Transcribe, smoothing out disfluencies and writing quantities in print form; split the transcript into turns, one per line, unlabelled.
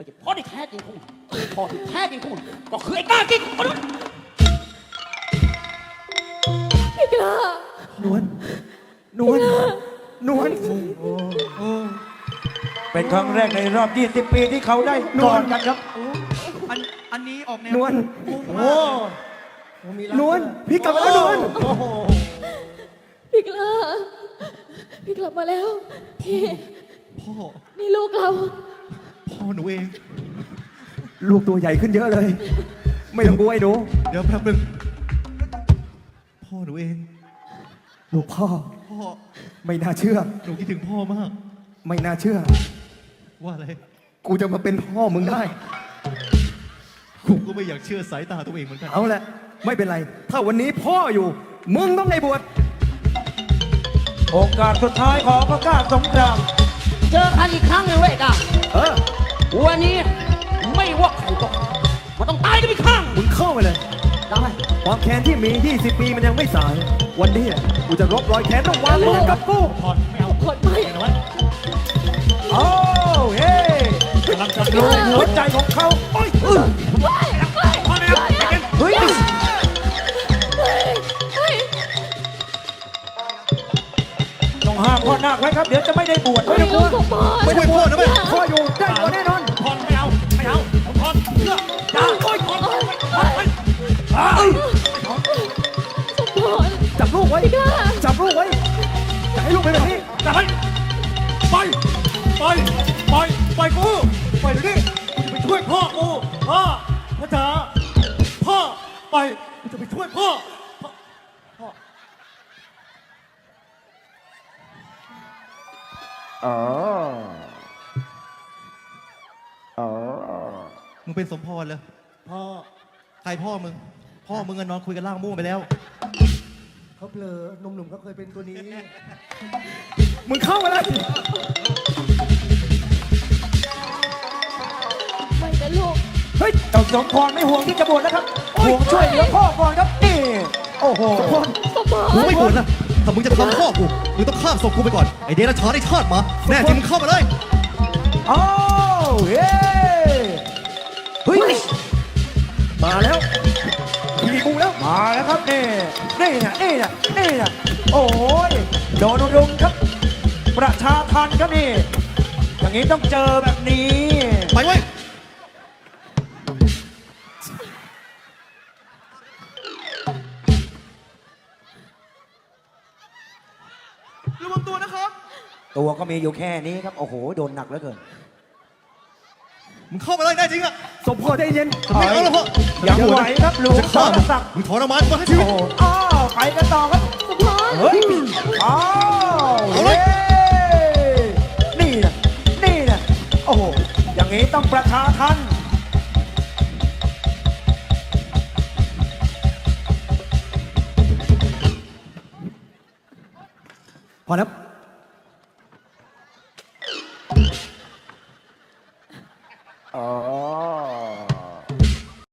พ่อที่แท้จริงของมันพ่อที่แท้จริงของมันก็คือไอ้กล้ากินของมัน
พี่กล้าน
วลนวลนวล
เป็นครั้งแรกในรอบ 20 ปีที่เขาได้กอดกันครับ
อันนี้ออกแนวน
วล
โอ้
นวลพี่กลับมาแล้วนวล
โอ้โห
พี่กล้าพี่กลับมาแล้วพี่
พ่อ
นี่ลูกเรา
พ่อหนูเอง
ลูกตัวใหญ่ขึ้นเยอะเลย ไม่ต้องกลัวไอ้หนู
เดี๋ยวแป๊บนึงพ่อหนูเอง
ลูกพ่อ
พ่อ
ไม่น่าเชื่อ
หนูคิดถึงพ่อมาก
ไม่น่าเชื่อ
ว่าอะไร
กูจะมาเป็นพ่อมึงได้
ผมก็ไม่อยากเชื่อสายตาตัวเองเหมือนกัน
เอาละไม่เป็นไร ถ้าวันนี้พ่ออยู่ มึงต้องได้บวช
โอกาสสุดท้ายของพระกล้าสงคราม
เจอกันอีกครั้งหนึ่งเว้ยกล้า
เออ
วันนี้ไม่ว่าใครก็มันต้องตายกันอีกครั้ง
มึงเข้าไปเลย
ได้
ความแค้นที่มี 20 ปีมันยังไม่สาย วันนี้กูจะลบรอยแค้นต้องวางมือกับกู
ถอดไม่เอา
คนไม่
เอาไว้
โอ้เฮ้
กำลังจะ
ดูหัวใจของเขาโอ้ย
พ่อไม่เอาไปกิน
เฮ้ย ต้องห้ามพ่อนาคไว้ครับ เดี๋ยวจะไม่ได้บวช
ไม่ได้ลูกของพ่อ
ไม่ต้องกลัวนะแม่พ่ออยู่ได้ตัวแน่นอน
พ่อไม่เอาไม่เอาพ่อเลือกจ้าโอ้ยพ่อไป
สมพร
จับลูกไว้
พี่กล้า
จับลูกไว้จะให้ลูกเป็นแบบนี้
จะให้ไปกูไปเดี๋ยวนี้กูจะไปช่วยพ่อกูพ่อพ่อจ๋าพ่อไปกูจะไปช่วยพ่อ
อ๋อ อ๋อ
มึงเป็นสมพรเลย
พ่อ
ใครพ่อมึง พ่อมึงอะนอนคุยกันล่างม่วงไปแล้ว
เขาเผลอหนุ่มๆเขาเคยเป็นตัวนี้
มึงเข้ามาเลย
ไม่นะลูก
เฮ้ย
เจ้าสมพรไม่ห่วงที่จะบวชนะครับ ห่วงช่วยเหลือพ่อก่อนครับ นี่ โอ้โห
สมพร
กูไม่บ่นนะถ้ามึงจะทำพ่อกู มึงต้องข้ามศพกูไปก่อน ไอเดรัจฉานไอชาติหมา แน่จริงมึงเข้ามาเลย
อ้าวเฮ้เฮ้ย
มาแล้วพี่กูแล้ว
มาแล้วครับนี่นี่นะนี่นะนี่นะโอ้ยโดนรุมครับ ประชาทันครับนี่ อย่างนี้ต้องเจอแบบนี้
ไปเว้ย ระวังตัวนะครับ
ตัวก็มีอยู่แค่นี้ครับ โอ้โห โดนหนักเหลือเกิน
มึงเข้ามาเลยแน่จริงอะ
สมพรใจเย็น
ไม่เอาแล้วพ่อ
ยังไหวครับลุง
จะฆ่า
ส
มึ
รง ศักดิ์
มึงถอนออกมาก่อนให้ชีวิ
โอ้
ต
โหอ้าวไปกันต่อครับ
สมพร
เฮ้ย อ้าว
เอาเลย
นี่นะนี่นะโอ้โห อย่างนี้ต้องประชาทัน
พอแล้ว